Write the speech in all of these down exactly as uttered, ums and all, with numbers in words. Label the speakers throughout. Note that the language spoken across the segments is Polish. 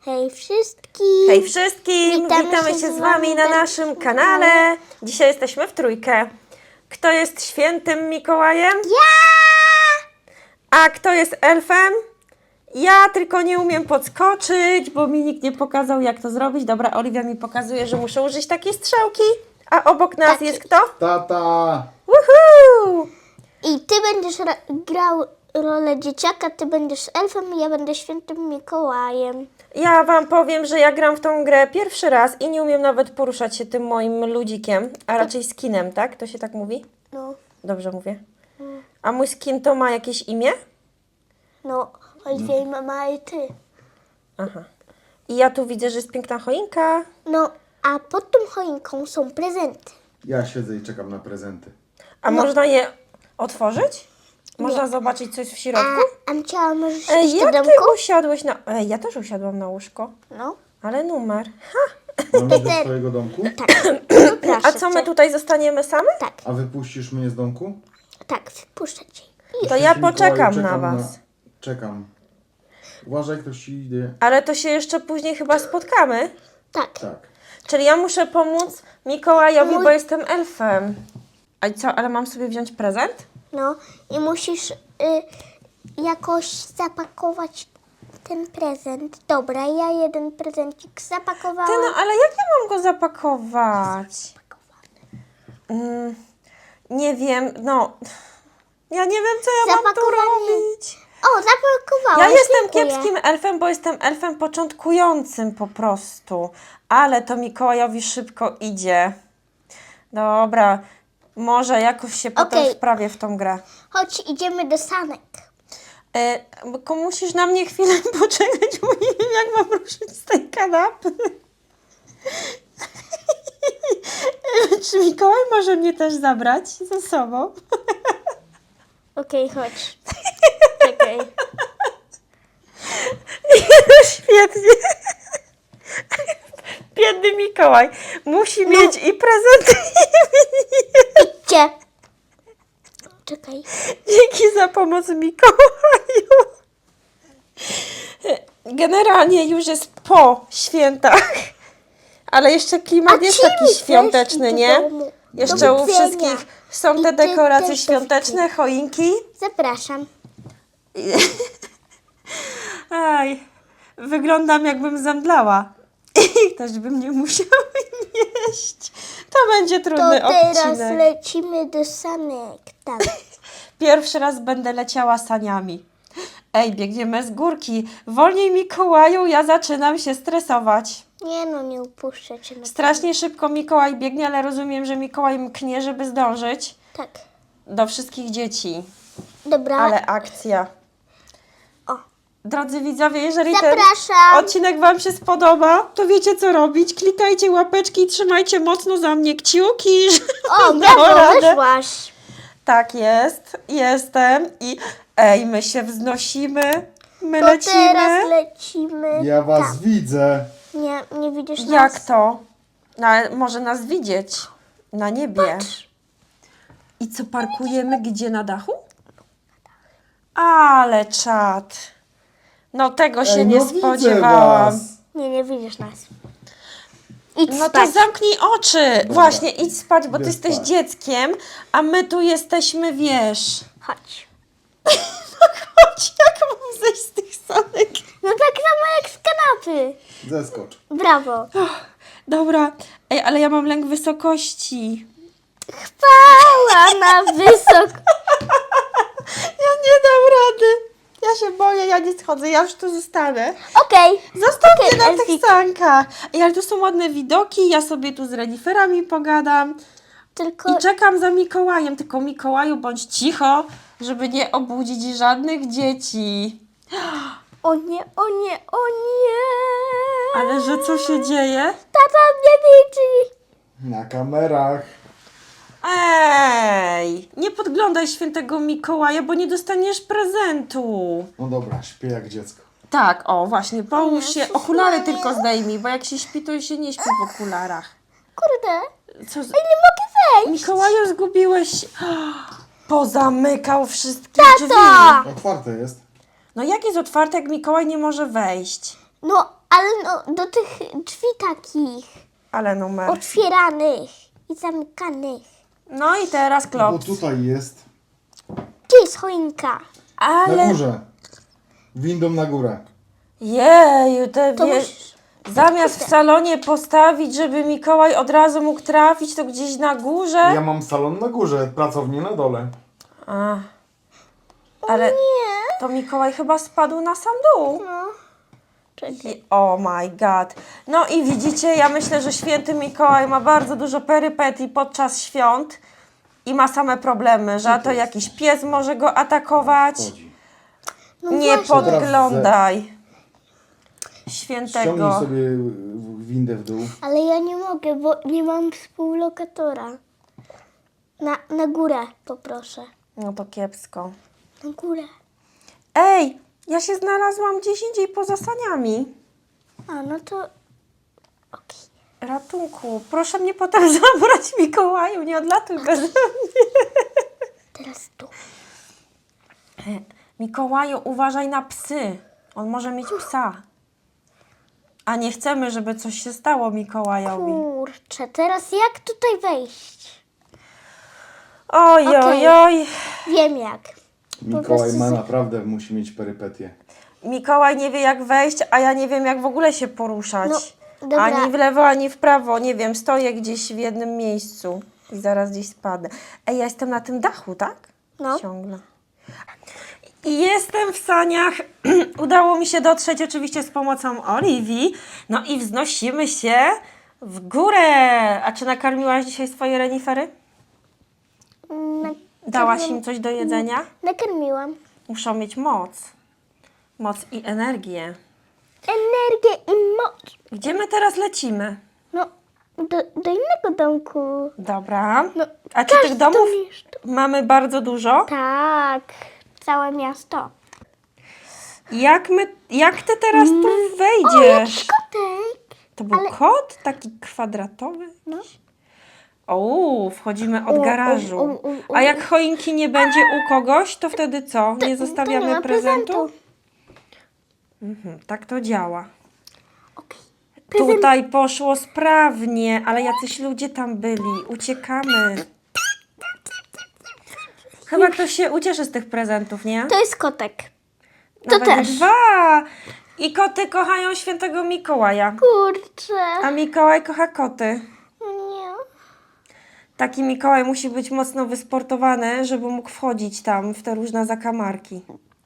Speaker 1: Hej wszystkim!
Speaker 2: Hej wszystkim!
Speaker 1: Witamy
Speaker 2: Witamy,
Speaker 1: się
Speaker 2: się
Speaker 1: z
Speaker 2: z wami
Speaker 1: wami
Speaker 2: na
Speaker 1: na
Speaker 2: naszym
Speaker 1: naszym
Speaker 2: kanale.
Speaker 1: kanale.
Speaker 2: Dzisiaj jesteśmy w trójkę. Kto jest świętym Mikołajem?
Speaker 1: Ja!
Speaker 2: A kto jest elfem? Ja tylko nie umiem podskoczyć, bo mi nikt nie pokazał, jak to zrobić. Dobra, Oliwia mi pokazuje, że muszę użyć takiej strzałki. A obok nas
Speaker 1: Takiej.
Speaker 2: jest kto?
Speaker 3: Tata!
Speaker 2: Woohoo!
Speaker 1: I ty będziesz ra- grał rolę dzieciaka, ty będziesz elfem i ja będę świętym Mikołajem.
Speaker 2: Ja wam powiem, że ja gram w tą grę pierwszy raz i nie umiem nawet poruszać się tym moim ludzikiem, a raczej skinem, tak? To się tak mówi?
Speaker 1: No,
Speaker 2: Dobrze mówię. A mój skin to ma jakieś imię?
Speaker 1: no, Oliwia i mama i ty.
Speaker 2: Aha. I ja tu widzę, że jest piękna choinka.
Speaker 1: No, a pod tą choinką są prezenty.
Speaker 3: Ja siedzę i czekam na prezenty.
Speaker 2: A
Speaker 1: No.
Speaker 2: można je otworzyć? Można zobaczyć coś w
Speaker 1: A,
Speaker 2: środku?
Speaker 1: Amcia, możesz
Speaker 2: Ej,
Speaker 1: iść do
Speaker 2: jak ty
Speaker 1: domku?
Speaker 2: usiadłeś na... Ej, ja też usiadłam na łóżko.
Speaker 1: No,
Speaker 2: Ale numer. Ha.
Speaker 3: Mam iść do
Speaker 1: Peter.
Speaker 3: twojego domku?
Speaker 1: tak. Proszę
Speaker 2: A co my
Speaker 1: cię.
Speaker 2: tutaj zostaniemy same?
Speaker 1: Tak,
Speaker 3: A wypuścisz mnie z domku?
Speaker 1: tak, wpuszczę cię.
Speaker 2: To ja
Speaker 3: Święty
Speaker 2: poczekam
Speaker 3: Mikołaju,
Speaker 2: na was.
Speaker 3: Czekam. Uważaj, ktoś ci idzie.
Speaker 2: Ale to się jeszcze później chyba spotkamy.
Speaker 1: Tak.
Speaker 3: Tak.
Speaker 2: Czyli ja muszę pomóc Mikołajowi,
Speaker 1: Mój-
Speaker 2: bo jestem elfem. A co, ale mam sobie wziąć prezent?
Speaker 1: No i musisz y, jakoś zapakować ten prezent. Dobra, ja jeden prezencik zapakowałam.
Speaker 2: Ty, no ale jak ja mam go zapakować? Mm, nie wiem, no... Ja nie wiem, co ja mam tu
Speaker 1: Zapakowany.
Speaker 2: robić.
Speaker 1: O, zapakowałaś.
Speaker 2: Ja jestem
Speaker 1: dziękuję.
Speaker 2: kiepskim elfem, bo jestem elfem początkującym po prostu. Ale to Mikołajowi szybko idzie. Dobra, może jakoś się potem
Speaker 1: Okej.
Speaker 2: wprawię w tą grę.
Speaker 1: Chodź, idziemy do sanek.
Speaker 2: E, tylko musisz na mnie chwilę poczekać, bo nie wiem, jak mam ruszyć z tej kanapy. Czy Mikołaj może mnie też zabrać ze sobą?
Speaker 1: Okej, chodź. Czekaj.
Speaker 2: Świetnie. Biedny Mikołaj musi mieć i prezenty, i
Speaker 1: Idźcie. Czekaj.
Speaker 2: Dzięki za pomoc Mikołaju. Generalnie już jest po świętach, ale jeszcze klimat jest
Speaker 1: ty mi
Speaker 2: taki
Speaker 1: też
Speaker 2: świąteczny,
Speaker 1: idź do
Speaker 2: nie?
Speaker 1: domu.
Speaker 2: Jeszcze
Speaker 1: Do
Speaker 2: u
Speaker 1: widzenia.
Speaker 2: wszystkich są
Speaker 1: I
Speaker 2: te
Speaker 1: ty
Speaker 2: dekoracje
Speaker 1: też do
Speaker 2: świąteczne, choinki.
Speaker 1: Zapraszam.
Speaker 2: Aj, wyglądam jakbym zemdlała. I ktoś by mnie musiał nieść. To będzie
Speaker 1: To
Speaker 2: trudny
Speaker 1: teraz
Speaker 2: odcinek.
Speaker 1: lecimy do sanek. Tak.
Speaker 2: Pierwszy raz będę leciała saniami. Ej, biegniemy z górki. Wolniej Mikołaju, ja zaczynam się stresować.
Speaker 1: Nie no, nie upuszczę cię. Na
Speaker 2: Strasznie szybko Mikołaj biegnie, ale rozumiem, że Mikołaj mknie, żeby zdążyć
Speaker 1: Tak.
Speaker 2: do wszystkich dzieci.
Speaker 1: Dobra.
Speaker 2: Ale akcja.
Speaker 1: O.
Speaker 2: Drodzy widzowie, jeżeli
Speaker 1: Zapraszam.
Speaker 2: ten odcinek wam się spodoba, to wiecie co robić. Klikajcie łapeczki i trzymajcie mocno za mnie kciuki.
Speaker 1: O,
Speaker 2: żebym
Speaker 1: brawo,
Speaker 2: dała radę.
Speaker 1: wyszłaś.
Speaker 2: Tak jest, jestem i ej, my się wznosimy, my
Speaker 1: To
Speaker 2: lecimy.
Speaker 1: teraz lecimy.
Speaker 3: Ja was
Speaker 1: tam.
Speaker 3: widzę.
Speaker 1: Nie, nie widzisz
Speaker 2: Jak
Speaker 1: nas?
Speaker 2: to? No, ale może nas widzieć na niebie. I co, parkujemy gdzie, na dachu? Ale czad. No tego się
Speaker 3: Ej,
Speaker 2: nie
Speaker 3: no widzę
Speaker 2: spodziewałam.
Speaker 3: was.
Speaker 1: Nie, nie widzisz nas. Idź
Speaker 2: No to
Speaker 1: spać.
Speaker 2: zamknij oczy. Właśnie, idź spać, bo ty
Speaker 3: Idę
Speaker 2: jesteś
Speaker 3: spać.
Speaker 2: dzieckiem, a my tu jesteśmy, wiesz.
Speaker 1: Chodź.
Speaker 2: Chodź, jak mam zejść z tych sanek?
Speaker 1: No tak samo jak z kanapy.
Speaker 3: Zeskocz.
Speaker 1: Brawo.
Speaker 2: Dobra, ej, ale ja mam lęk wysokości.
Speaker 1: Chwała na wysok.
Speaker 2: Ja nie dam rady. Ja się boję, ja nie schodzę, ja już tu zostanę.
Speaker 1: Okej.
Speaker 2: Zostaw
Speaker 1: Okej,
Speaker 2: mnie na tych
Speaker 1: Elfik.
Speaker 2: sankach. Ej, ale tu są ładne widoki, ja sobie tu z reniferami pogadam.
Speaker 1: Tylko
Speaker 2: I czekam za Mikołajem, tylko Mikołaju bądź cicho, żeby nie obudzić żadnych dzieci.
Speaker 1: o nie, o nie, o nie.
Speaker 2: Ale że co się dzieje?
Speaker 1: Tata mnie widzi.
Speaker 3: Na kamerach.
Speaker 2: Ej, nie podglądaj świętego Mikołaja, bo nie dostaniesz prezentu.
Speaker 3: No dobra, śpię jak dziecko.
Speaker 2: Tak, o właśnie, połóż się,
Speaker 1: Jezus
Speaker 2: okulary
Speaker 1: Maria.
Speaker 2: tylko zdejmij, bo jak się śpi, to się nie śpi w okularach.
Speaker 1: Kurde.
Speaker 2: Co z...
Speaker 1: Nie mogę wejść.
Speaker 2: Mikołaju, zgubiłeś... Pozamykał wszystkie drzwi.
Speaker 1: Tato.
Speaker 3: Otwarte jest.
Speaker 2: No jak jest otwarte, jak Mikołaj nie może wejść?
Speaker 1: No, ale no, do tych drzwi takich
Speaker 2: Ale numer.
Speaker 1: otwieranych i zamykanych.
Speaker 2: No i teraz
Speaker 3: Bo
Speaker 2: klops.
Speaker 3: tutaj jest.
Speaker 1: Gdzie jest choinka?
Speaker 3: Na
Speaker 2: Ale...
Speaker 3: górze. Windą na górę.
Speaker 2: Jeju, te
Speaker 1: To
Speaker 2: wie...
Speaker 1: musisz...
Speaker 2: Zamiast w salonie postawić, żeby Mikołaj od razu mógł trafić, to gdzieś na górze.
Speaker 3: Ja mam salon na górze, pracownię na dole.
Speaker 2: A. Ale
Speaker 1: Nie.
Speaker 2: to Mikołaj chyba spadł na sam dół.
Speaker 1: No. Czekaj.
Speaker 2: I- Oh my god. No i widzicie, ja myślę, że święty Mikołaj ma bardzo dużo perypetii podczas świąt i ma same problemy, że a to jakiś pies może go atakować.
Speaker 3: Chodzi.
Speaker 1: No
Speaker 2: Nie
Speaker 1: właśnie.
Speaker 2: podglądaj
Speaker 3: Ściągnij
Speaker 2: świętego.
Speaker 3: sobie windę w dół.
Speaker 1: Ale ja nie mogę, bo nie mam współlokatora. Na, na górę poproszę.
Speaker 2: No to kiepsko.
Speaker 1: Na górę.
Speaker 2: Ej, ja się znalazłam gdzieś indziej poza saniami.
Speaker 1: A, no to... Okej.
Speaker 2: Ratunku, proszę mnie potem zabrać, Mikołaju, nie odlatuj bez mnie.
Speaker 1: Teraz tu.
Speaker 2: Mikołaju, uważaj na psy. On może mieć psa. A nie chcemy, żeby coś się stało Mikołajowi.
Speaker 1: Kurczę, teraz jak tutaj wejść?
Speaker 2: Oj, oj,
Speaker 1: Okej.
Speaker 2: oj.
Speaker 1: Wiem jak.
Speaker 3: Mikołaj
Speaker 1: prostu
Speaker 3: ma
Speaker 1: z-
Speaker 3: naprawdę, musi mieć perypetię.
Speaker 2: Mikołaj nie wie jak wejść, a ja nie wiem jak w ogóle się poruszać.
Speaker 1: No, dobra.
Speaker 2: Ani w lewo, ani w prawo. Nie wiem, stoję gdzieś w jednym miejscu i zaraz gdzieś spadnę. Ej, ja jestem na tym dachu, tak?
Speaker 1: No.
Speaker 2: Ciągle. I jestem w saniach. Udało mi się dotrzeć oczywiście z pomocą Oliwii. No i wznosimy się w górę. A czy nakarmiłaś dzisiaj swoje renifery?
Speaker 1: Na,
Speaker 2: Dałaś im coś do jedzenia?
Speaker 1: nakarmiłam.
Speaker 2: Muszą mieć moc. Moc i energię.
Speaker 1: Energię i moc.
Speaker 2: Gdzie my teraz lecimy?
Speaker 1: No, do, do innego domku.
Speaker 2: Dobra.
Speaker 1: No,
Speaker 2: A czy tych
Speaker 1: każdy
Speaker 2: domów
Speaker 1: mieszka.
Speaker 2: mamy bardzo dużo?
Speaker 1: Tak, całe miasto.
Speaker 2: Jak, my, jak ty teraz tu
Speaker 1: O,
Speaker 2: wejdziesz?
Speaker 1: jakiś kotek.
Speaker 2: To był
Speaker 1: ale-
Speaker 2: kot? Taki kwadratowy?
Speaker 1: No.
Speaker 2: O, wchodzimy od
Speaker 1: O,
Speaker 2: garażu.
Speaker 1: o, o, o, o.
Speaker 2: A jak choinki nie będzie u kogoś, to wtedy co? Nie zostawiamy
Speaker 1: to nie ma
Speaker 2: prezentu?
Speaker 1: prezentu.
Speaker 2: Mhm, tak to działa.
Speaker 1: Okej. Prezent.
Speaker 2: Tutaj poszło sprawnie, ale jacyś ludzie tam byli. Uciekamy. Chyba ktoś się ucieszy z tych prezentów, nie?
Speaker 1: To jest kotek. To
Speaker 2: Nawet
Speaker 1: też.
Speaker 2: dwa. I koty kochają świętego Mikołaja.
Speaker 1: Kurczę.
Speaker 2: A Mikołaj kocha koty.
Speaker 1: No nie.
Speaker 2: Taki Mikołaj musi być mocno wysportowany, żeby mógł wchodzić tam w te różne zakamarki.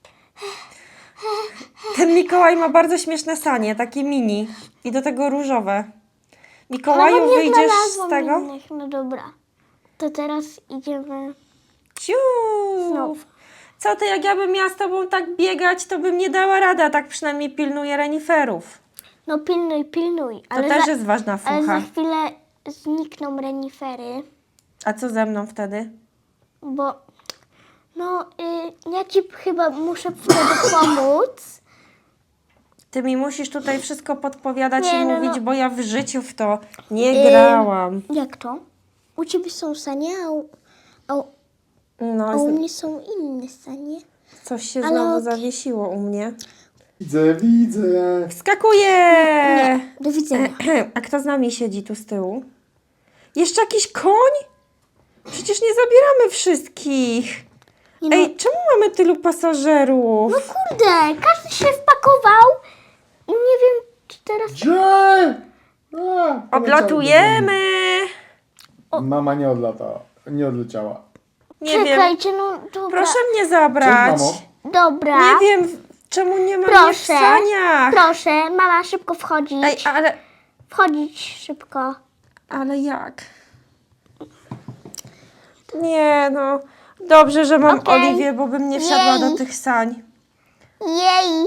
Speaker 2: Ten Mikołaj ma bardzo śmieszne sanie, takie mini. I do tego różowe. Mikołaju,
Speaker 1: Ale nie
Speaker 2: wyjdziesz
Speaker 1: znalazłam
Speaker 2: z tego?
Speaker 1: innych. No dobra. To teraz idziemy.
Speaker 2: Ciu!
Speaker 1: No.
Speaker 2: Co ty, jak ja bym miała z tobą tak biegać, to bym nie dała rady, a tak przynajmniej pilnuję reniferów.
Speaker 1: No pilnuj, pilnuj.
Speaker 2: To
Speaker 1: Ale
Speaker 2: też
Speaker 1: za,
Speaker 2: jest ważna
Speaker 1: ale
Speaker 2: fucha.
Speaker 1: za chwilę znikną renifery,
Speaker 2: A co ze mną wtedy?
Speaker 1: bo no y, ja ci chyba muszę wtedy pomóc.
Speaker 2: Ty mi musisz tutaj wszystko podpowiadać
Speaker 1: Nie,
Speaker 2: i
Speaker 1: no,
Speaker 2: mówić,
Speaker 1: no.
Speaker 2: bo ja w życiu w to nie
Speaker 1: Ym,
Speaker 2: grałam.
Speaker 1: Jak to? U ciebie są sanie, a u, a, u-
Speaker 2: No,
Speaker 1: a u
Speaker 2: z-
Speaker 1: mnie są inne sanie.
Speaker 2: coś się
Speaker 1: ale
Speaker 2: znowu
Speaker 1: okej.
Speaker 2: zawiesiło u mnie.
Speaker 3: Widzę, widzę.
Speaker 2: Wskakuję!
Speaker 1: Nie, do widzenia.
Speaker 2: A kto z nami siedzi tu z tyłu? Jeszcze jakiś koń? Przecież nie zabieramy wszystkich.
Speaker 1: Nie no,
Speaker 2: Ej, czemu mamy tylu pasażerów?
Speaker 1: no kurde, każdy się wpakował i nie wiem, czy teraz...
Speaker 3: Gdzie? A, poleciały
Speaker 2: Odlatujemy!
Speaker 3: do domu. Mama nie odlatała. Nie odleciała.
Speaker 2: Nie wiem.
Speaker 1: Czekajcie, no dobra.
Speaker 2: Proszę mnie
Speaker 3: Cześć,
Speaker 2: zabrać.
Speaker 3: mamo.
Speaker 1: Dobra.
Speaker 2: Nie wiem, czemu nie ma mnie w
Speaker 1: Proszę.
Speaker 2: saniach.
Speaker 1: Proszę, mama, szybko wchodzić.
Speaker 2: Ej, ale...
Speaker 1: Wchodzić szybko.
Speaker 2: Ale jak? Nie no. Dobrze, że mam
Speaker 1: Okej.
Speaker 2: Oliwię, bo bym nie wsiadła
Speaker 1: Jej.
Speaker 2: do tych sań.
Speaker 1: Jej.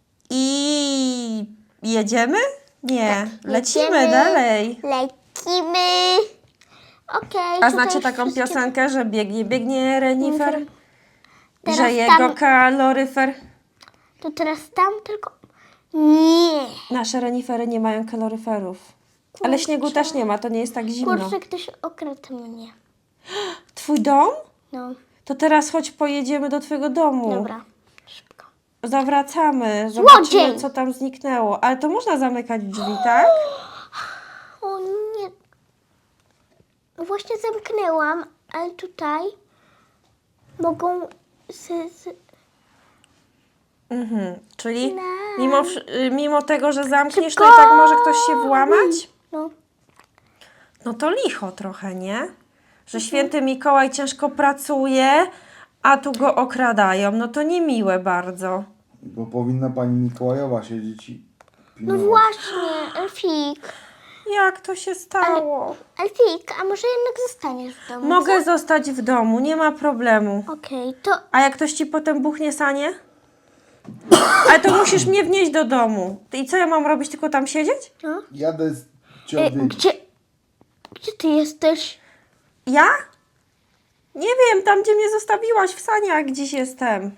Speaker 2: I jedziemy? Nie, lecimy
Speaker 1: jedziemy.
Speaker 2: dalej.
Speaker 1: Lecimy. Okej.
Speaker 2: A
Speaker 1: tutaj
Speaker 2: znacie
Speaker 1: już
Speaker 2: taką
Speaker 1: wszystkie-
Speaker 2: piosenkę, że biegnie, biegnie renifer?
Speaker 1: Teraz
Speaker 2: Że jego
Speaker 1: tam-
Speaker 2: kaloryfer...
Speaker 1: To teraz tam tylko... Nie.
Speaker 2: Nasze renifery nie mają kaloryferów. Ale śniegu też nie ma, to nie jest tak zimno.
Speaker 1: Kurczę, ktoś okradł mnie.
Speaker 2: Twój dom?
Speaker 1: No,
Speaker 2: To teraz chodź pojedziemy do twojego domu.
Speaker 1: dobra. Szybko.
Speaker 2: zawracamy, zobaczymy,
Speaker 1: Złodziej!
Speaker 2: co tam zniknęło. Ale to można zamykać drzwi, tak?
Speaker 1: O nie. Właśnie zamknęłam, ale tutaj mogą z, z,
Speaker 2: Mhm. Czyli
Speaker 1: Na-
Speaker 2: mimo, wsz- y, mimo tego, że zamkniesz, to
Speaker 1: Szybko!
Speaker 2: i tak może ktoś się włamać?
Speaker 1: no.
Speaker 2: No to licho trochę, nie? Że święty Mikołaj ciężko pracuje, a tu go okradają. No to niemiłe bardzo.
Speaker 3: Bo powinna pani Mikołajowa siedzieć i
Speaker 1: No
Speaker 3: pilnować.
Speaker 1: właśnie, Elfik.
Speaker 2: Jak to się stało?
Speaker 1: Elfik, a może jednak zostaniesz w domu?
Speaker 2: Mogę zostać w domu, nie ma problemu.
Speaker 1: Okej, to
Speaker 2: A jak ktoś ci potem buchnie sanie? Ale to musisz mnie wnieść do domu. I co ja mam robić? Tylko tam siedzieć?
Speaker 1: no.
Speaker 3: Jadę z
Speaker 1: E,
Speaker 3: ciągiem.
Speaker 1: gdzie, gdzie ty jesteś?
Speaker 2: Ja? Nie wiem, tam gdzie mnie zostawiłaś w saniach gdzieś jestem.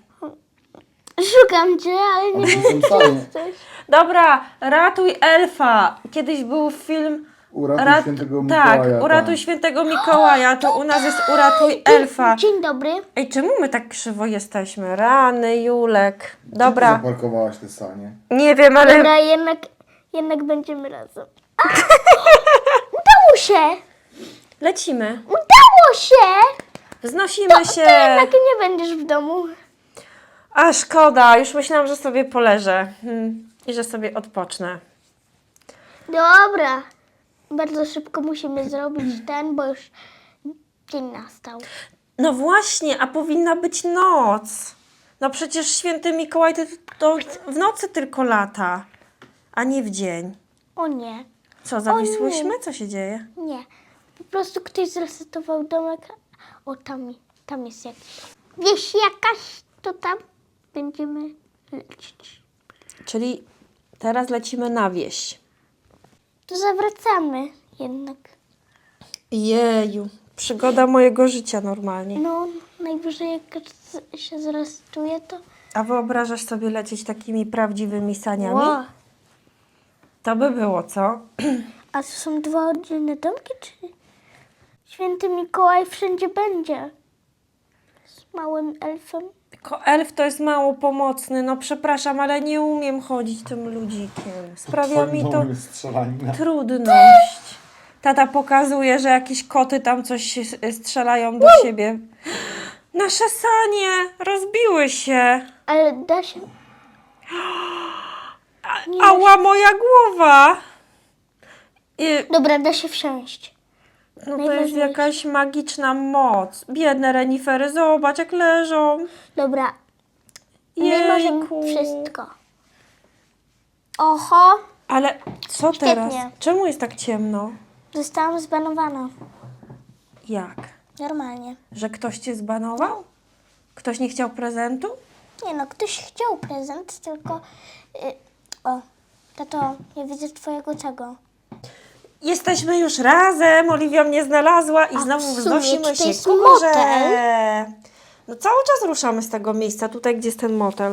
Speaker 1: Szukam cię, ale nie wiem,
Speaker 3: Są
Speaker 1: gdzie
Speaker 3: sanie.
Speaker 1: jesteś.
Speaker 2: Dobra, ratuj elfa. Kiedyś był film...
Speaker 3: Uratuj
Speaker 2: Rat-
Speaker 3: świętego
Speaker 2: tak,
Speaker 3: Mikołaja.
Speaker 2: uratuj świętego Mikołaja, to u nas jest uratuj elfa.
Speaker 1: Dzień dobry.
Speaker 2: Ej, czemu my tak krzywo jesteśmy? Rany, Julek.
Speaker 3: Gdzie ty
Speaker 2: Dobra,
Speaker 3: zaparkowałaś te sanie?
Speaker 2: nie wiem, ale...
Speaker 1: Dobra, jednak, jednak będziemy razem. A! Udało się!
Speaker 2: Lecimy.
Speaker 1: Udało się!
Speaker 2: Wznosimy się.
Speaker 1: To jednak nie będziesz w domu.
Speaker 2: A szkoda, już myślałam, że sobie poleżę. Hmm. I że sobie odpocznę.
Speaker 1: Dobra. Bardzo szybko musimy zrobić ten, bo już dzień nastał.
Speaker 2: No właśnie, a powinna być noc. No przecież święty Mikołaj to, to w nocy tylko lata, a nie w dzień.
Speaker 1: O nie,
Speaker 2: Co, zawisłyśmy? Co się dzieje?
Speaker 1: nie. Po prostu ktoś zresetował domek. O, tam, tam jest jakiś. Wieś jakaś, to tam będziemy lecieć.
Speaker 2: Czyli teraz lecimy na wieś.
Speaker 1: To zawracamy jednak.
Speaker 2: Jeju, przygoda mojego życia normalnie.
Speaker 1: No, najwyżej jak z- się zresetuje, to...
Speaker 2: A wyobrażasz sobie lecieć takimi prawdziwymi saniami?
Speaker 1: Ło.
Speaker 2: To by było, co?
Speaker 1: A to są dwa oddzielne domki, czy święty Mikołaj wszędzie będzie? Z małym elfem?
Speaker 2: Tylko elf to jest mało pomocny. No przepraszam, ale nie umiem chodzić tym ludzikiem. Sprawia mi to
Speaker 3: Twoim strzelanina.
Speaker 2: trudność. Tata pokazuje, że jakieś koty tam coś się strzelają do siebie. Nasze sanie rozbiły się.
Speaker 1: Ale da się... Nie da
Speaker 2: Ała, moja głowa. I,
Speaker 1: Dobra, da się wsiąść.
Speaker 2: no to jest
Speaker 1: Najważniejsze.
Speaker 2: jakaś magiczna moc. Biedne renifery, zobacz jak leżą.
Speaker 1: Dobra, my możemy
Speaker 2: Jejku.
Speaker 1: wszystko. Oho,
Speaker 2: Ale co
Speaker 1: Świetnie.
Speaker 2: teraz? Czemu jest tak ciemno?
Speaker 1: zostałam zbanowana.
Speaker 2: Jak?
Speaker 1: Normalnie.
Speaker 2: Że ktoś cię zbanował? Ktoś nie chciał prezentu?
Speaker 1: Nie no, ktoś chciał prezent, tylko... Y, o, tato, nie widzę twojego tego.
Speaker 2: Jesteśmy już razem, Oliwia mnie znalazła i
Speaker 1: A
Speaker 2: znowu
Speaker 1: w sumie
Speaker 2: wznosimy
Speaker 1: tutaj
Speaker 2: się
Speaker 1: jest
Speaker 2: ku górze.
Speaker 1: motel.
Speaker 2: No cały czas ruszamy z tego miejsca, tutaj gdzie jest ten motel.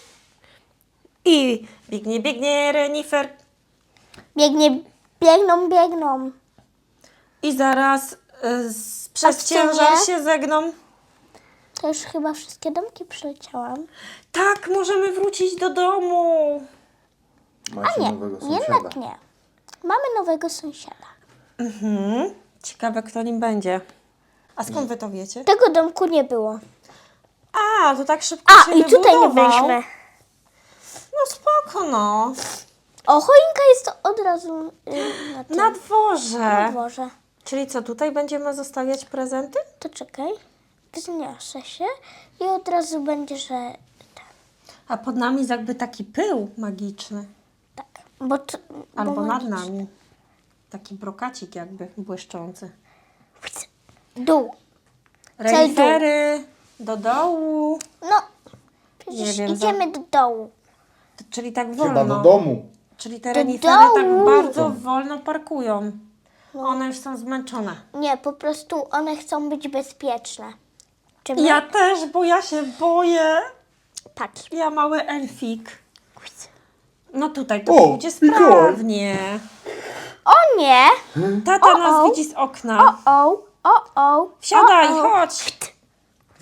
Speaker 2: I biegnie, biegnie renifer
Speaker 1: Biegnie, biegną, biegną.
Speaker 2: i zaraz y, z, przez
Speaker 1: Patrzcie mnie.
Speaker 2: ciężar się zegną.
Speaker 1: To już chyba wszystkie domki przeleciałam.
Speaker 2: Tak, możemy wrócić do domu.
Speaker 3: Macie
Speaker 1: Nie,
Speaker 3: nowego sąsiada.
Speaker 1: jednak nie. Mamy nowego sąsiada.
Speaker 2: Mhm. Ciekawe, kto nim będzie. A skąd wy to wiecie?
Speaker 1: Tego domku nie było.
Speaker 2: A, to tak szybko
Speaker 1: A,
Speaker 2: się
Speaker 1: i tutaj nie
Speaker 2: wybudował.
Speaker 1: byliśmy.
Speaker 2: No spoko, no.
Speaker 1: O, choinka jest od razu y, na tym
Speaker 2: Na dworze.
Speaker 1: na dworze.
Speaker 2: Czyli co, tutaj będziemy zostawiać prezenty?
Speaker 1: To czekaj, wzniosę się i od razu będzie, że tak.
Speaker 2: A pod nami jest jakby taki pył magiczny.
Speaker 1: tak. Bo to,
Speaker 2: Albo
Speaker 1: bo
Speaker 2: nad
Speaker 1: magicznie.
Speaker 2: nami. Taki brokacik jakby błyszczący.
Speaker 1: Dół.
Speaker 2: Renifery do dołu.
Speaker 1: No, przecież
Speaker 2: Nie wiem,
Speaker 1: idziemy do dołu.
Speaker 2: To, czyli tak
Speaker 3: Chyba do
Speaker 2: wolno.
Speaker 3: domu.
Speaker 2: Czyli te
Speaker 1: Do
Speaker 2: renifery tak
Speaker 1: dołu.
Speaker 2: bardzo wolno parkują.
Speaker 1: No.
Speaker 2: One już są zmęczone.
Speaker 1: Nie, po prostu one chcą być bezpieczne. Czy my?
Speaker 2: Ja też, bo ja się boję.
Speaker 1: Patrz.
Speaker 2: Ja mały elfik. No tutaj to
Speaker 3: O,
Speaker 2: pójdzie
Speaker 3: Mikołaj.
Speaker 2: sprawnie.
Speaker 1: O nie!
Speaker 2: Tata
Speaker 1: O,
Speaker 2: nas
Speaker 1: o.
Speaker 2: widzi z
Speaker 1: O,
Speaker 2: okna.
Speaker 1: o, o, o.
Speaker 2: Wsiadaj,
Speaker 1: o, o.
Speaker 2: chodź.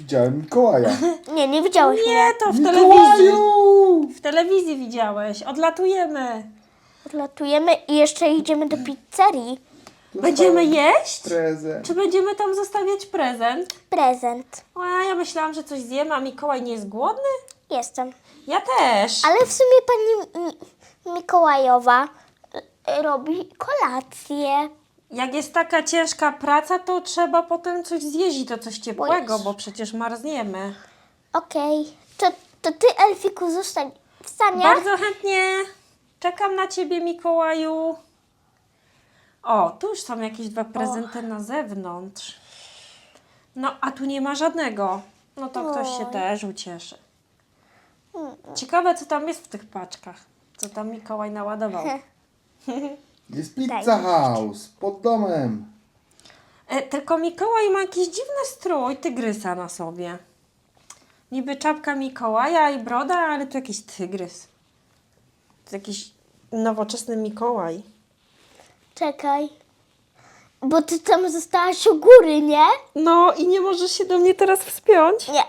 Speaker 3: Widziałem Mikołaja.
Speaker 1: Nie, nie widziałeś mnie.
Speaker 2: Nie, to w telewizji.
Speaker 3: Mikołaju!
Speaker 2: W telewizji widziałeś. Odlatujemy.
Speaker 1: Odlatujemy i jeszcze idziemy do pizzerii.
Speaker 2: Będziemy jeść?
Speaker 3: Prezent.
Speaker 2: Czy będziemy tam zostawiać prezent?
Speaker 1: Prezent.
Speaker 2: O, ja myślałam, że coś zjemy, a Mikołaj nie jest głodny?
Speaker 1: Jestem.
Speaker 2: Ja też.
Speaker 1: Ale w sumie pani Mi- Mikołajowa y, robi kolację.
Speaker 2: Jak jest taka ciężka praca, to trzeba potem coś zjeść i to coś ciepłego,
Speaker 1: Jezu.
Speaker 2: bo przecież marzniemy.
Speaker 1: Okej. To, to ty, Elfiku, zostań w stanie.
Speaker 2: Bardzo chętnie. Czekam na ciebie, Mikołaju. O, tu już są jakieś dwa prezenty na zewnątrz. No, a tu nie ma żadnego. No to ktoś się
Speaker 1: Oj.
Speaker 2: też ucieszy. Ciekawe, co tam jest w tych paczkach. Co tam Mikołaj naładował.
Speaker 3: Jest Pizza House pod domem.
Speaker 2: E, tylko Mikołaj ma jakiś dziwny strój tygrysa na sobie. Niby czapka Mikołaja i broda, ale to jakiś tygrys. To jakiś nowoczesny Mikołaj.
Speaker 1: Czekaj. Bo ty tam zostałaś u góry, nie?
Speaker 2: No i nie możesz się do mnie teraz wspiąć?
Speaker 1: Nie.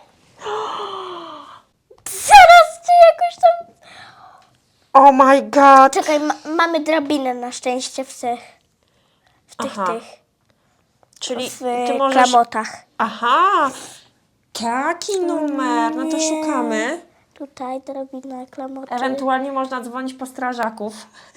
Speaker 1: Zaraz ty jakoś tam...
Speaker 2: Oh my god!
Speaker 1: Czekaj, ma- mamy drabinę na szczęście w tych... W tych,
Speaker 2: Aha.
Speaker 1: tych...
Speaker 2: Czyli
Speaker 1: W
Speaker 2: ty możesz...
Speaker 1: klamotach.
Speaker 2: Aha! Taki numer. No to
Speaker 1: nie.
Speaker 2: szukamy.
Speaker 1: Tutaj drabina, klamoty.
Speaker 2: Ewentualnie można dzwonić po strażaków.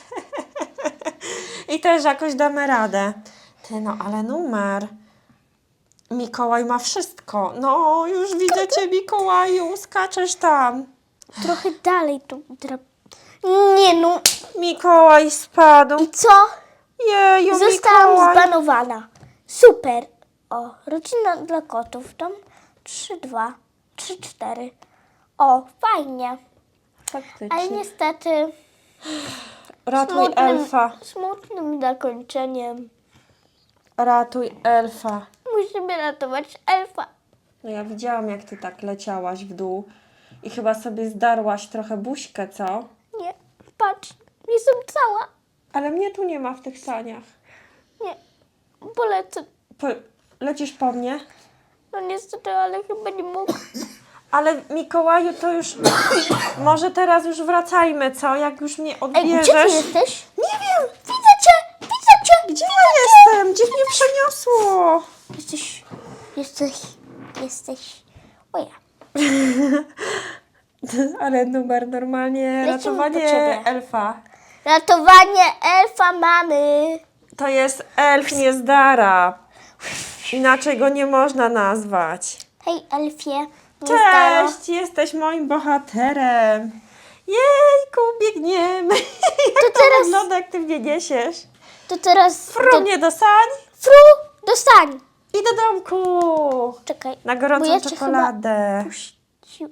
Speaker 2: I też jakoś damy radę. Ty, no ale numer. Mikołaj ma wszystko. No, już widzę cię, Mikołaju. Skaczesz tam.
Speaker 1: Trochę dalej tu drab... Nie no.
Speaker 2: Mikołaj spadł.
Speaker 1: I co?
Speaker 2: Jeju,
Speaker 1: Zostałam
Speaker 2: Mikołaj.
Speaker 1: zbanowana. Super. O, rodzina dla kotów. Tam trzy, dwa, trzy, cztery. O, fajnie.
Speaker 2: Faktycznie.
Speaker 1: Ale niestety
Speaker 2: Ratuj elfa.
Speaker 1: smutnym zakończeniem.
Speaker 2: Ratuj elfa.
Speaker 1: Musimy ratować elfa.
Speaker 2: No ja widziałam, jak ty tak leciałaś w dół. I chyba sobie zdarłaś trochę buźkę, co?
Speaker 1: Nie, patrz, jestem cała.
Speaker 2: Ale mnie tu nie ma w tych saniach.
Speaker 1: Nie, polecę.
Speaker 2: Po, lecisz po mnie?
Speaker 1: No niestety, ale chyba nie mogę.
Speaker 2: Ale Mikołaju, to już... Może teraz już wracajmy, co? Jak już mnie
Speaker 1: Ej,
Speaker 2: odbierzesz...
Speaker 1: gdzie ty jesteś?
Speaker 2: Nie wiem!
Speaker 1: Widzę cię, widzę cię.
Speaker 2: Gdzie ja jestem? Gdzie mnie przeniosło?
Speaker 1: Jesteś, jesteś, jesteś. O ja.
Speaker 2: Ale numer normalnie...
Speaker 1: Lecimy po
Speaker 2: Ratowanie
Speaker 1: ciebie.
Speaker 2: elfa.
Speaker 1: Ratowanie elfa mamy.
Speaker 2: To jest elf niezdara. Inaczej go nie można nazwać.
Speaker 1: Hej, elfie. Niezdaro.
Speaker 2: Cześć, jesteś moim bohaterem. Jejku, biegniemy. Jak to
Speaker 1: teraz-
Speaker 2: wygląda, jak ty mnie niesiesz?
Speaker 1: To teraz...
Speaker 2: Fru
Speaker 1: do-
Speaker 2: mnie do sań
Speaker 1: Fru, dostań.
Speaker 2: i do domku.
Speaker 1: Czekaj.
Speaker 2: Na
Speaker 1: bo
Speaker 2: gorącą
Speaker 1: ja cię
Speaker 2: czekoladę.
Speaker 1: chyba puści-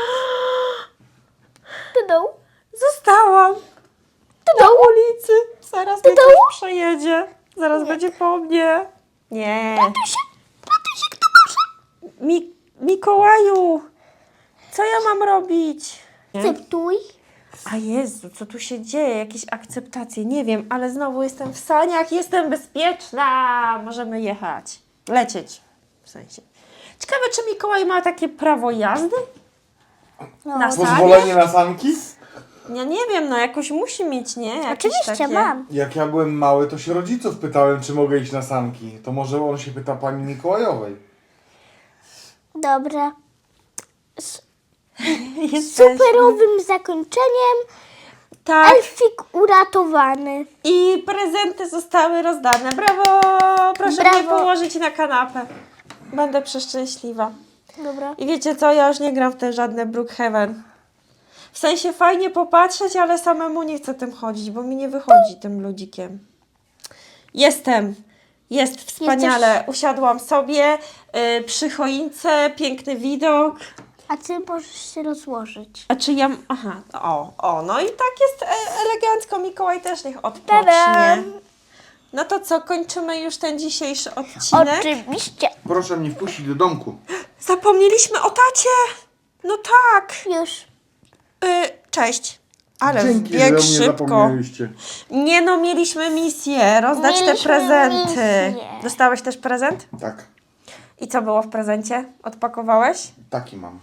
Speaker 1: Do dołu.
Speaker 2: Zostałam
Speaker 1: Do
Speaker 2: na
Speaker 1: dołu.
Speaker 2: ulicy. Zaraz
Speaker 1: Do
Speaker 2: mnie ktoś
Speaker 1: dołu?
Speaker 2: przejedzie. Zaraz będzie po mnie. Nie.
Speaker 1: Ratuj się, ratuj się, kto może.
Speaker 2: Mi Mikołaju, co ja mam robić?
Speaker 1: Akceptuj.
Speaker 2: A Jezu, co tu się dzieje? Jakieś akceptacje? Nie wiem, ale znowu jestem w saniach, jestem bezpieczna. Możemy jechać. Lecieć. W sensie. Ciekawe, czy Mikołaj ma takie prawo jazdy?
Speaker 1: No,
Speaker 2: Na
Speaker 3: Pozwolenie na sanki?
Speaker 2: Ja nie wiem, no jakoś musi mieć, nie? Jakieś
Speaker 1: oczywiście
Speaker 2: takie...
Speaker 1: mam.
Speaker 3: Jak ja byłem mały, to się rodziców pytałem, czy mogę iść na sanki. To może on się pyta pani Mikołajowej.
Speaker 1: Dobra. Z
Speaker 2: Jesteśmy.
Speaker 1: superowym zakończeniem
Speaker 2: Tak.
Speaker 1: elfik uratowany.
Speaker 2: I prezenty zostały rozdane. Brawo! Proszę
Speaker 1: Brawo.
Speaker 2: mnie położyć na kanapę. Będę przeszczęśliwa.
Speaker 1: Dobra.
Speaker 2: I wiecie co, ja już nie gram w te żadne Brookhaven. W sensie fajnie popatrzeć, ale samemu nie chcę tym chodzić, bo mi nie wychodzi tym ludzikiem. Jestem. Jest wspaniale. Usiadłam sobie y, przy choince, piękny widok.
Speaker 1: A ty możesz się rozłożyć.
Speaker 2: A czy ja... Aha, o, o, no i tak jest e, elegancko. Mikołaj też niech odpocznie.
Speaker 1: Tadam!
Speaker 2: No to co, kończymy już ten dzisiejszy odcinek?
Speaker 1: Oczywiście.
Speaker 3: Proszę mnie wpuścić do domku.
Speaker 2: Zapomnieliśmy o tacie! No tak!
Speaker 1: Już.
Speaker 2: Y, cześć. Ale
Speaker 3: Dzięki, że
Speaker 2: wbieg
Speaker 3: o mnie
Speaker 2: szybko.
Speaker 3: zapomnieliście.
Speaker 2: Nie no, mieliśmy misję rozdać te
Speaker 1: Mieliśmy
Speaker 2: prezenty.
Speaker 1: misję.
Speaker 2: Dostałeś też prezent?
Speaker 3: Tak.
Speaker 2: I co było w prezencie? Odpakowałeś?
Speaker 3: Taki mam.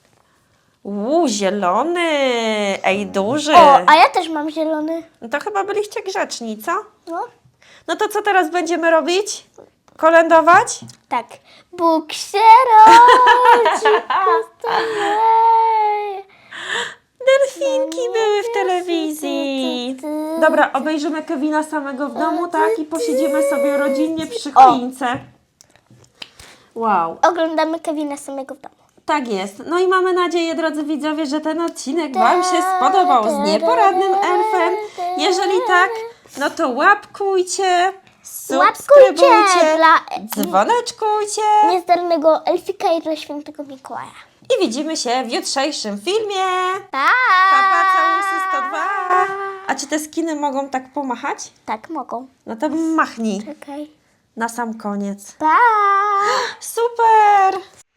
Speaker 2: Uuu, zielony! Ej, duży!
Speaker 1: O, a ja też mam zielony.
Speaker 2: No to chyba byliście grzeczni, co?
Speaker 1: No,
Speaker 2: No to co teraz będziemy robić? Kolędować?
Speaker 1: tak. Bóg się rodzi, postanowi.
Speaker 2: Delfinki były w telewizji. Dobra, obejrzymy Kevina samego w domu, tak? I posiedzimy sobie rodzinnie przy choince. Wow.
Speaker 1: Oglądamy Kevina samego w domu.
Speaker 2: Tak jest. No i mamy nadzieję, drodzy widzowie, że ten odcinek Wam się spodobał z nieporadnym elfem. Jeżeli tak, no to łapkujcie, subskrybujcie,
Speaker 1: Łapkujcie dla
Speaker 2: dzwoneczkujcie
Speaker 1: niezdarnego elfika i dla świętego Mikołaja.
Speaker 2: i widzimy się w jutrzejszym filmie.
Speaker 1: Pa!
Speaker 2: Papa całusy sto dwa. A czy te skiny mogą tak pomachać?
Speaker 1: Tak, mogą.
Speaker 2: No to machnij
Speaker 1: Czekaj.
Speaker 2: na sam koniec.
Speaker 1: Pa!
Speaker 2: Super!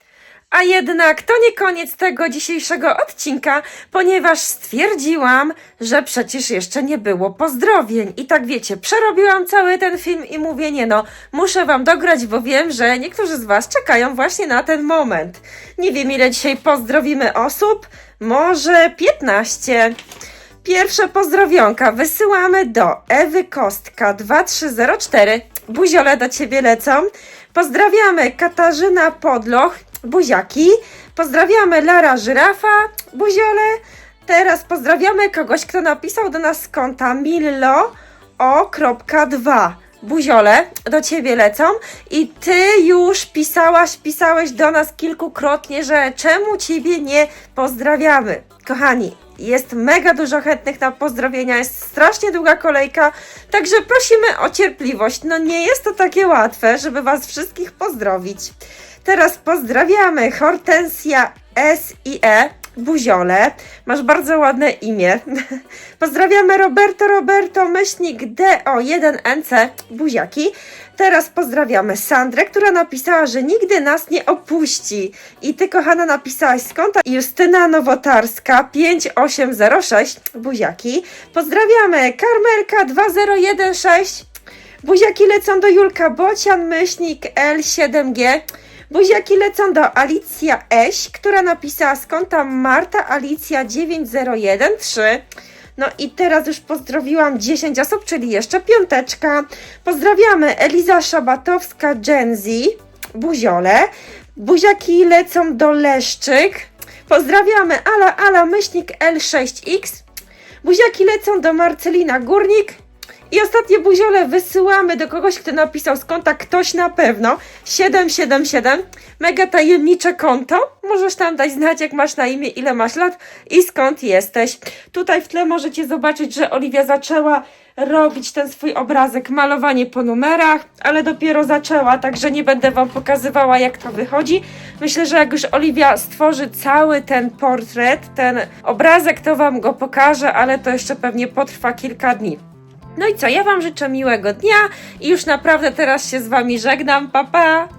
Speaker 2: A jednak to nie koniec tego dzisiejszego odcinka, ponieważ stwierdziłam, że przecież jeszcze nie było pozdrowień. I tak wiecie, przerobiłam cały ten film i mówię, nie no, muszę Wam dograć, bo wiem, że niektórzy z Was czekają właśnie na ten moment. Nie wiem, ile dzisiaj pozdrowimy osób, może piętnaście. Pierwsze pozdrowionka wysyłamy do Ewy Kostka dwa trzy zero cztery. Buziole do Ciebie lecą. Pozdrawiamy Katarzyna Podloch, buziaki. Pozdrawiamy Lara Żyrafa, buziole. Teraz pozdrawiamy kogoś, kto napisał do nas z konta Millo o dwa. Buziole do Ciebie lecą. I Ty już pisałaś, pisałeś do nas kilkukrotnie, że czemu Ciebie nie pozdrawiamy. Kochani, jest mega dużo chętnych na pozdrowienia, jest strasznie długa kolejka, także prosimy o cierpliwość. No nie jest to takie łatwe, żeby Was wszystkich pozdrowić. Teraz pozdrawiamy Hortensja S i E, buziole, masz bardzo ładne imię. Pozdrawiamy Roberto Roberto, myślnik D O jeden N C, buziaki. Teraz pozdrawiamy Sandrę, która napisała, że nigdy nas nie opuści. I Ty, kochana, napisałaś z konta Justyna Nowotarska pięć osiem zero sześć, buziaki. Pozdrawiamy Karmelka dwa zero jeden sześć, buziaki lecą do Julka Bocian, myślnik L siedem G. Buziaki lecą do Alicja Eś, która napisała z konta Marta Alicja dziewięć zero jeden trzy. No i teraz już pozdrowiłam dziesięć osób, czyli jeszcze piąteczka. Pozdrawiamy Eliza Szabatowska Genzi, buziole. Buziaki lecą do Leszczyk. Pozdrawiamy Ala Ala myślnik L sześć X. Buziaki lecą do Marcelina Górnik. I ostatnie buziole wysyłamy do kogoś, kto napisał z konta ktoś na pewno siedem siedem siedem. Mega tajemnicze konto. Możesz tam dać znać, jak masz na imię, ile masz lat i skąd jesteś. Tutaj w tle możecie zobaczyć, że Oliwia zaczęła robić ten swój obrazek, malowanie po numerach, ale dopiero zaczęła, także nie będę Wam pokazywała, jak to wychodzi. Myślę, że jak już Oliwia stworzy cały ten portret, ten obrazek, to Wam go pokażę, ale to jeszcze pewnie potrwa kilka dni. No i co, ja Wam życzę miłego dnia i już naprawdę teraz się z Wami żegnam, pa pa!